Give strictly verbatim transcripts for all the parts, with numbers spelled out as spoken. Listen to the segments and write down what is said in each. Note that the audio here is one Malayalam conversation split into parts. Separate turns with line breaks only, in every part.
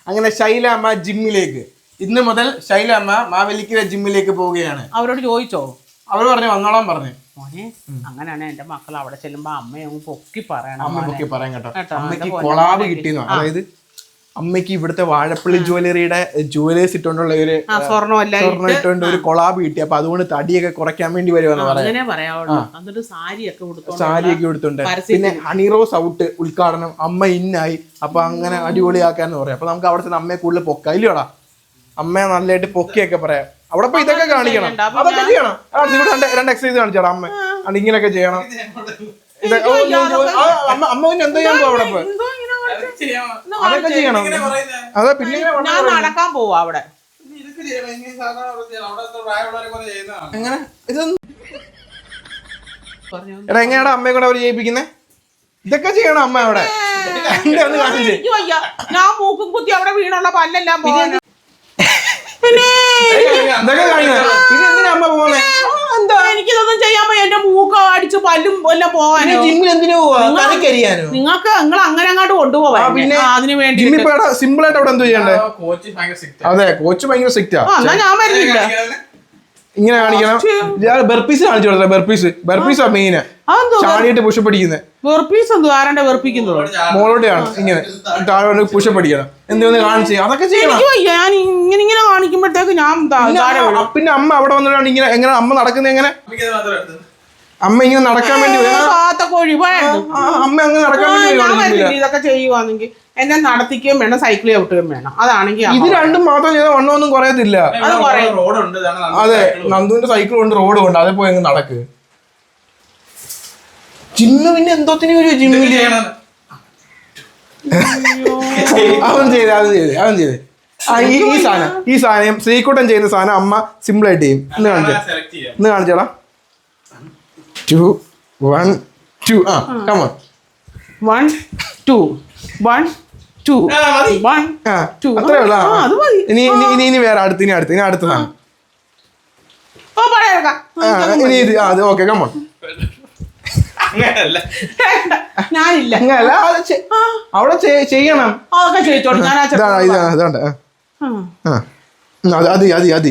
അങ്ങനെ ശൈലമ്മ ജിമ്മിലേക്ക് ഇന്ന് മുതൽ ശൈലമ്മ മാവേലിക്കര ജിമ്മിലേക്ക് പോവുകയാണ്.
അവരോട് ചോദിച്ചോ?
അവർ പറഞ്ഞു വന്നോളാൻ പറഞ്ഞു.
മോനെ അങ്ങനെയാണ് എന്റെ മക്കൾ അവിടെ ചെല്ലുമ്പോ അമ്മയങ്ങ് പൊക്കി പറയണം.
അമ്മ പൊക്കി പറയാൻ കേട്ടോ. അമ്മയ്ക്ക് കൊളാബ് കിട്ടിയെന്നു. അതായത് അമ്മയ്ക്ക് ഇവിടുത്തെ വാഴപ്പള്ളി ജ്വല്ലറിയുടെ ജുവലേഴ്സ് ഇട്ടുകൊണ്ടുള്ള ഒരു സ്വർണ്ണം ഇട്ടുകൊണ്ട് ഒരു കൊളാബ് കിട്ടി. അപ്പൊ അതുകൊണ്ട് തടിയൊക്കെ കുറയ്ക്കാൻ വേണ്ടി വരുമെന്ന് പറയാം. സാരിയൊക്കെ കൊടുത്തുണ്ട്. പിന്നെ ഹണിറോസ് ഔട്ട് ഉദ്ഘാടനം അമ്മ ഇന്നായി. അപ്പൊ അങ്ങനെ അടിപൊളിയാക്കാന്ന് പറയാം. അപ്പൊ നമുക്ക് അവിടെ ചെന്ന് അമ്മയെ കൂടുതൽ പൊക്ക ഇല്ലയോടാ. അമ്മയെ നല്ലതായിട്ട് പൊക്കിയൊക്കെ പറയാൻ അവിടെ പോയി ഇതൊക്കെ കാണിക്കണം. അതൊക്കെ ചെയ്യണം. രണ്ട് എക്സസൈസ് കാണിച്ചാടാ അമ്മ. അത് ഇങ്ങനെയൊക്കെ ചെയ്യണം. അമ്മ അമ്മ പിന്നെ എന്താ ചെയ്യാൻ പോവാ അവിടെ പോയി അതൊക്കെ ചെയ്യണം. അതെ പിന്നെ
നടക്കാൻ പോവാ അവിടെ.
എങ്ങനെ ഇതൊന്നും എടാ എങ്ങനെയാടാ അമ്മയെ കൂടെ അവര് ചെയ്യിപ്പിക്കുന്നേ? ഇതൊക്കെ ചെയ്യണം അമ്മ അവിടെ.
ഞാൻ മൂക്കും കുത്തി അവിടെ വീണുള്ള പല്ലെല്ലാം പോകാൻ എനിക്കിതൊന്നും ചെയ്യാൻ എന്റെ മൂക്ക അടിച്ച് പല്ലും എല്ലാം പോകാനോ നിങ്ങൾക്ക് നിങ്ങൾ അങ്ങനെ അങ്ങോട്ട് കൊണ്ടുപോവാ. പിന്നെ അതിന് വേണ്ടി
സിമ്പിൾ ആയിട്ട് അവിടെ എന്തോ ചെയ്യണ്ടേ? അതെ കോച്ച് ഭയങ്കര സ്ട്രിക്റ്റാ.
ഞാൻ വരുന്നില്ല.
ഇങ്ങനെ കാണിക്കണം. ബർപ്പീസ് കാണിച്ചു കൊടുത്തേ. ബർപ്പീസ് ബർപ്പീസാ മെയിന്. ചാടിയിട്ട് പുഷപ്പ് അടിക്കുന്നത്.
വെർപ്പീസ് എന്തോ ആരാണ്ട് വെറുപ്പിക്കുന്നത്
മോളോടെയാണ്. ഇങ്ങനെ താഴെ പുഷപ്പ് അടിക്കണം. എന്തെന്ന് കാണിച്ച് അതൊക്കെ ചെയ്യണം.
ഞാൻ ഇങ്ങനെ ഇങ്ങനെ കാണിക്കുമ്പോഴത്തേക്ക് ഞാൻ
പിന്നെ അമ്മ അവിടെ വന്നിട്ടാണ് ഇങ്ങനെ എങ്ങനെ അമ്മ നടക്കുന്നത്. എങ്ങനെ അമ്മ ഇങ്ങനെ നടക്കാൻ വേണ്ടി അമ്മ അങ്ങനെ നടക്കാൻ വേണ്ടി
ഇതൊക്കെ ചെയ്യുവാണെങ്കിൽ എന്നെ നടത്തിക്കുകയും വേണം സൈക്കിൾ ചവിട്ടുകയും വേണം. അതാണെങ്കിൽ
ഇത് രണ്ടും മാത്രം ചെയ്താൽ വണ്ണമൊന്നും കുറയത്തില്ല. അതെ നന്ദുവിന്റെ സൈക്കിൾ കൊണ്ട് റോഡ് കൊണ്ട് അതേ പോയി നടക്ക്. ജിമ്മ് പിന്നെ എന്തോത്തിന് ഒരു ജിമ്മില് അവൻ ചെയ്ത് അവൻ ചെയ്ത് അവൻ ചെയ്ത് ഈ സാധനം ഈ സാധനം ശ്രീകുട്ടൻ ചെയ്യുന്ന സാധനം അമ്മ സിമ്പിൾ ആയിട്ട് ചെയ്യും. ഇന്ന് കാണിച്ചേ ഇന്ന് കാണിച്ചോടാ. ടു വൺ ടു ആ come on
one two one two one two
അത്രേ ഉള്ളൂ. ഇനി ഇനി ഇനി വേറെ അടുത്ത് ഇനി അടുത്ത് ഇനി അടുത്ത സാധനം ഇനി ഇത് അത് ഓക്കെ കമോൺ.
ഞാനില്ല
അവിടെ ചെയ്യണം.
അതൊക്കെ ചെയ്തോളൂ.
ഇതാണ്ട് അതി അതി അതി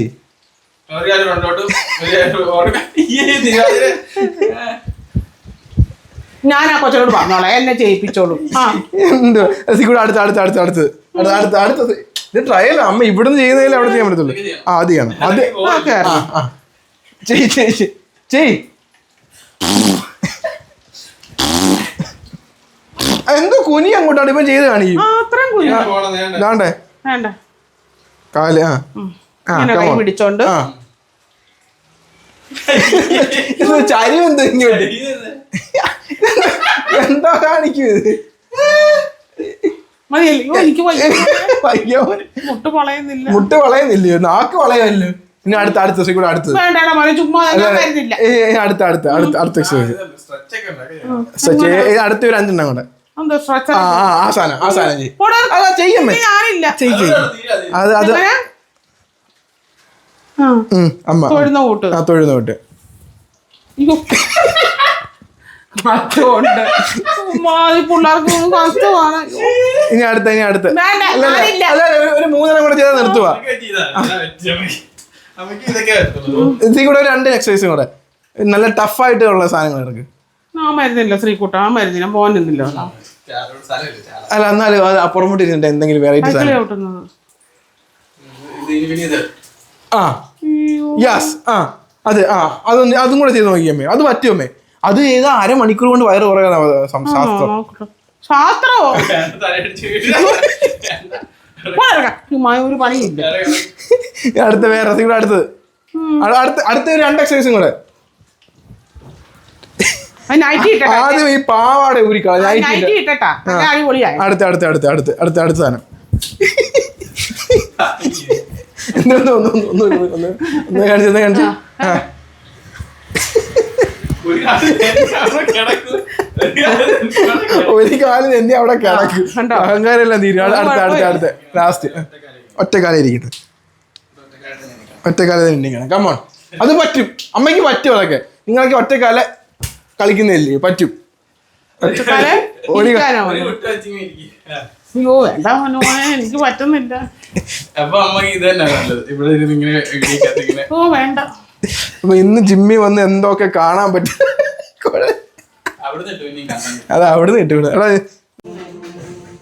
ഞാൻ ആ കൊച്ചോട് പറഞ്ഞോളാം എന്നെ ചെയ്യിപ്പിച്ചോളൂ.
എന്തോ കൂടെ അടുത്ത് അടുത്ത് അടുത്ത് അടുത്ത് അടുത്ത് അടുത്തത് ഇത് ട്രയൽ അമ്മ ഇവിടുന്ന് ചെയ്യുന്നതിൽ അവിടെ ചെയ്യാൻ പറ്റത്തുള്ളൂ. ആ അത് ചെയ്യണം. അത് ചെയ് ചെയ് ചെയ് എന്തോ കുനി അങ്ങോട്ടാണ് ഇപ്പം ചെയ്ത് കാണിക്കും. ഇതാണ്ടേ കാല് ആ
പിടിച്ചോണ്ട്
ചരി എന്തോ ഇങ്ങോട്ട് എന്താ കാണിക്കും ഇത്?
മുട്ട് വളയുന്നില്ല.
മുട്ട് വളയുന്നില്ലയോ? നാക്ക് വളയല്ലോ. ഇനി അടുത്ത അടുത്ത ദിവസം കൂടെ അടുത്ത് അടുത്ത അടുത്ത അടുത്ത അടുത്ത എക്സസൈസ് അടുത്ത ഒരു അഞ്ചെണ്ണം കൂടെ. ആ ആ സാധനം ആ സാധനം ചെയ്യമ്മേ ചെയ്യ അത് അത് അമ്മ
തൊഴുന്ന കൂട്ട്
ആ തൊഴുന്ന കൂട്ട് ഇനി അടുത്ത ഇനി അടുത്ത ഒരു മൂന്നെണ്ണം കൂടെ ചെയ്താൽ നിർത്തുവാ. ഇതിൽ കൂടെ ഒരു രണ്ട് എക്സസൈസും കൂടെ നല്ല ടഫായിട്ടുള്ള സാധനങ്ങൾ ഇറക്ക്.
ആ മരുന്നില്ല ശ്രീകുട്ട ആ മരുന്നില്ല പോകാനില്ല.
അല്ല എന്നാലും അത് അപ്പുറമോട്ട് ഇരുന്നിട്ട് എന്തെങ്കിലും വെറൈറ്റി ആ യെസ് ആ അത് ആ അതൊന്ന് അതും കൂടെ ചെയ്ത് നോക്കിയമ്മേ. അത് പറ്റുമേ. അത് ചെയ്താൽ അരമണിക്കൂർ കൊണ്ട് വയറ് കുറയാനാ ശാസ്ത്രം.
ശാസ്ത്രമോ ഒരു പണിയില്ല.
അടുത്ത വേറെ കൂടെ അടുത്തത് അടുത്ത അടുത്ത ഒരു രണ്ട് എക്സസൈസും കൂടെ. ആദ്യം ഈ പാവാട ഊരിക്കള അടുത്ത അടുത്ത അടുത്ത അടുത്ത അടുത്ത അടുത്ത സാധനം ഒന്ന് ഒന്ന് ഒന്ന് ഒന്ന് കാണിച്ചു ഒന്ന് കാണിച്ചു. ഒരു കാലം എന്നെ അവിടെ കിടക്കും. അഹങ്കാരെല്ലാം തീരും. അടുത്ത അടുത്ത അടുത്ത ലാസ്റ്റ് ഒറ്റക്കാലം ഇരിക്കട്ടെ. ഒറ്റക്കാലം തന്നെ കമോൺ. അത് പറ്റും അമ്മയ്ക്ക് പറ്റും. അതൊക്കെ നിങ്ങൾക്ക് ഒറ്റക്കാല കളിക്കുന്നില്ലേ? പറ്റും.
അയ്യോ വേണ്ട മോനെ എനിക്ക് പറ്റുന്നില്ല.
അപ്പൊ അമ്മക്ക് ഇത് തന്നെ നല്ലത്, ഇവിടെ ഇരുന്ന് ഇങ്ങനെ ഇങ്ങനെ.
ഓ വേണ്ട.
അപ്പൊ ഇന്ന് ജിമ്മി വന്ന് എന്തൊക്കെ കാണാൻ പറ്റും.
അവിടുന്ന് ഇട്ടു ഇനിയും കാണാൻ.
അതാ അവിടുന്ന് കിട്ടും. എടാ